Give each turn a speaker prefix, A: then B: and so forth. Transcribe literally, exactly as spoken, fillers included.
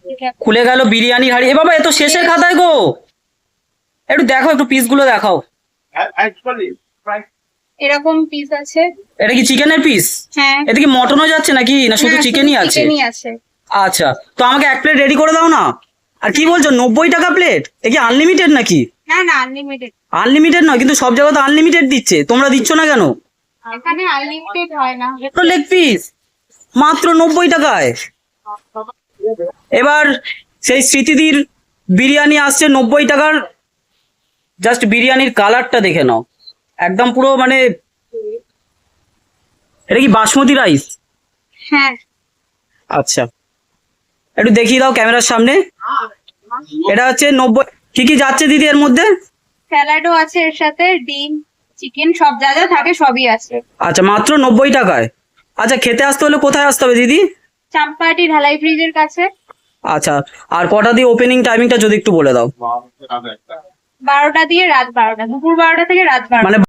A: খুলে গেল বিরিয়ানির হাড়ি। এ বাবা, এ তো শেষের খাতায় গো। একটু দেখো, একটু পিসগুলো দেখাও।
B: এরকম পিস আছে।
A: এটা কি চিকেনের পিস?
B: হ্যাঁ।
A: এতে কি মটনও যাচ্ছে নাকি, না শুধু চিকেনই আছে?
B: চিকেনই আছে।
A: আচ্ছা, তো আমাকে এক প্লেট রেডি করে দাও না। আর কি বলছো, নব্বই টাকা প্লেট? এ কি আনলিমিটেড নাকি?
B: না না, আনলিমিটেড।
A: আনলিমিটেড নয়, কিন্তু সব জায়গায় তো আনলিমিটেড দিচ্ছে, তোমরা দিচ্ছ না কেন?
B: এখানে আনলিমিটেড হয় না।
A: লেগ পিস মাত্র নব্বই টাকায়। এবার সেই স্মৃতিদির বিরিয়ানি আসছে নব্বই টাকার। জাস্ট বিরিয়ানির কালারটা দেখে নাও, একদম পুরো মানে, এটা কি বাসমতি রাইস?
B: হ্যাঁ।
A: আচ্ছা, একটু দেখিয়ে দাও ক্যামেরার সামনে। এটা হচ্ছে নব্বই। কি কি যাচ্ছে দিদি এর মধ্যে?
B: স্যালাডও আছে এর সাথে, ডিম, চিকেন, সব যা যা থাকে সবই আছে।
A: আচ্ছা, মাত্র নব্বই টাকায়। আচ্ছা, খেতে আসতে হলে কোথায় আসতে হবে দিদি?
B: চাম্পাহাটি ঢালাই ব্রিজের কাছে।
A: আচ্ছা, আর কটা দিয়ে ওপেনিং টাইমিংটা যদি একটু বলে দাও।
B: বারোটা দিয়ে রাত বারোটা, দুপুর বারোটা থেকে রাত বারোটা।
A: মানে